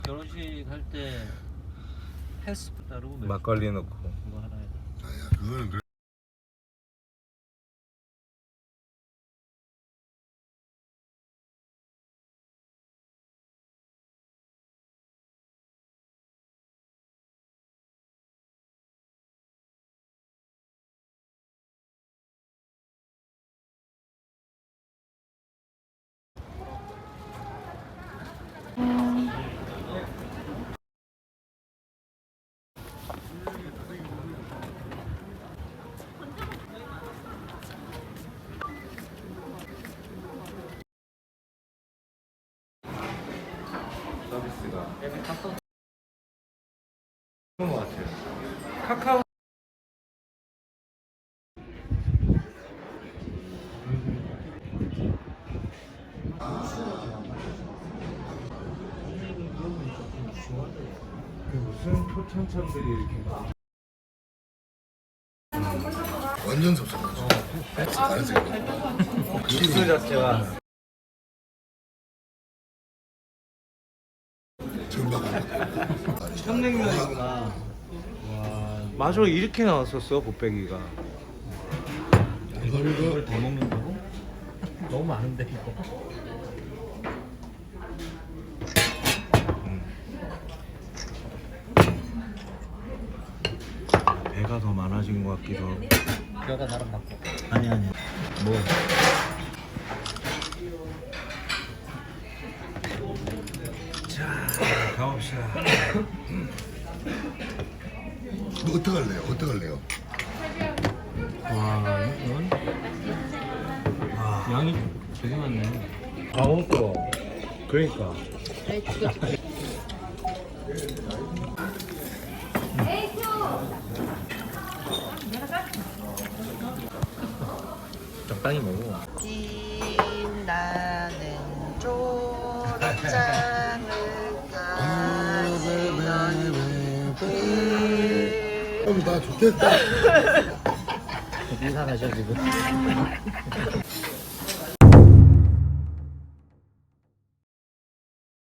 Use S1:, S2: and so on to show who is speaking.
S1: 결혼식 할 때 헬스 따르고
S2: 막걸리 넣고.
S1: 그거 하나 해야 돼.
S3: 아야 그거는 그래.
S2: 서비스가
S1: 앱에 카카오
S2: 좋은 것 같아요. 카카오. 무슨 표창장들이 이렇게.
S3: 완전 섭섭하죠. 알았어.
S2: 육수 자체가
S3: 전방.
S1: 평냉면이구나. 와,
S2: 맞아, 이렇게 나왔었어 곱빼기가.
S1: 이걸 더 먹는다고? 너무 많은데 이거.
S2: 배가 더 많아진 것 같기도 하고.
S1: 뼈가 나랑 맞고.
S2: 아니 뭐 자, 가봅시다.
S3: 뭐 어떡할래요? 어떡할래요?
S1: 와, 이건 양이 되게 많네.
S2: 강원도. 그러니까
S1: 적당히 먹어.
S4: 빛나는 초록장을 가지던
S3: 나 좋겠다.
S1: 이상하죠 지금.